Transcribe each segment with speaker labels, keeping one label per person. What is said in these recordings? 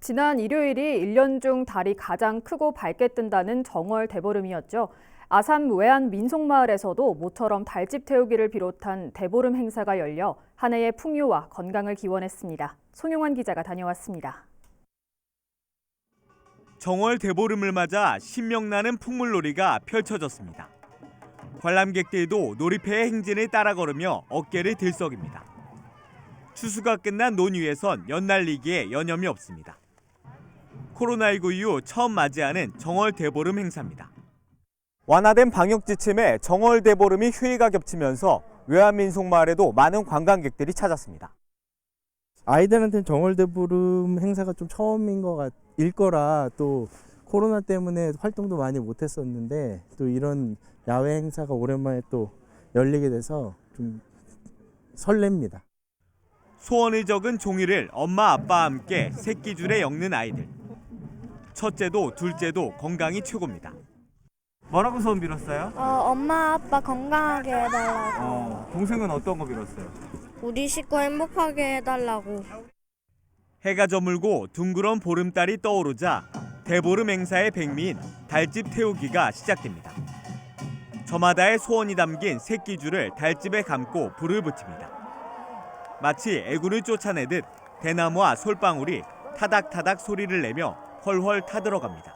Speaker 1: 지난 일요일이 1년 중 달이 가장 크고 밝게 뜬다는 정월 대보름이었죠. 아산 외안 민속마을에서도 모처럼 달집 태우기를 비롯한 대보름 행사가 열려 한 해의 풍요와 건강을 기원했습니다. 송용환 기자가 다녀왔습니다.
Speaker 2: 정월 대보름을 맞아 신명나는 풍물놀이가 펼쳐졌습니다. 관람객들도 놀이패의 행진을 따라 걸으며 어깨를 들썩입니다. 추수가 끝난 논 위에선 연날리기에 여념이 없습니다. 코로나19 이후 처음 맞이하는 정월 대보름 행사입니다. 완화된 방역 지침에 정월 대보름이 휴일과 겹치면서 외환민속마을에도 많은 관광객들이 찾았습니다.
Speaker 3: 아이들한테는 정월대보름 행사가 좀 처음인 일 거라 또 코로나 때문에 활동도 많이 못했었는데 또 이런 야외 행사가 오랜만에 또 열리게 돼서 좀 설렙니다.
Speaker 2: 소원을 적은 종이를 엄마 아빠와 함께 새끼줄에 엮는 아이들. 첫째도 둘째도 건강이 최고입니다. 뭐라고 소원 빌었어요?
Speaker 4: 엄마 아빠 건강하게 해달라고.
Speaker 2: 동생은 어떤 거 빌었어요?
Speaker 4: 우리 식구 행복하게 해달라고.
Speaker 2: 해가 저물고 둥그런 보름달이 떠오르자 대보름 행사의 백미인 달집 태우기가 시작됩니다. 저마다의 소원이 담긴 새끼줄을 달집에 감고 불을 붙입니다. 마치 애구를 쫓아내듯 대나무와 솔방울이 타닥타닥 소리를 내며 훨훨 타들어갑니다.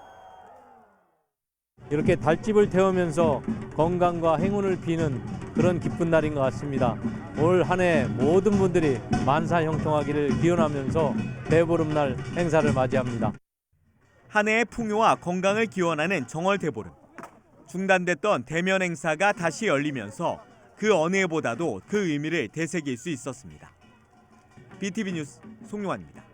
Speaker 5: 이렇게 달집을 태우면서 건강과 행운을 비는 그런 기쁜 날인 것 같습니다. 올 한 해 모든 분들이 만사형통하기를 기원하면서 대보름날 행사를 맞이합니다.
Speaker 2: 한 해의 풍요와 건강을 기원하는 정월 대보름. 중단됐던 대면 행사가 다시 열리면서 그 어느 해보다도 그 의미를 되새길 수 있었습니다. BTV 뉴스 송용환입니다.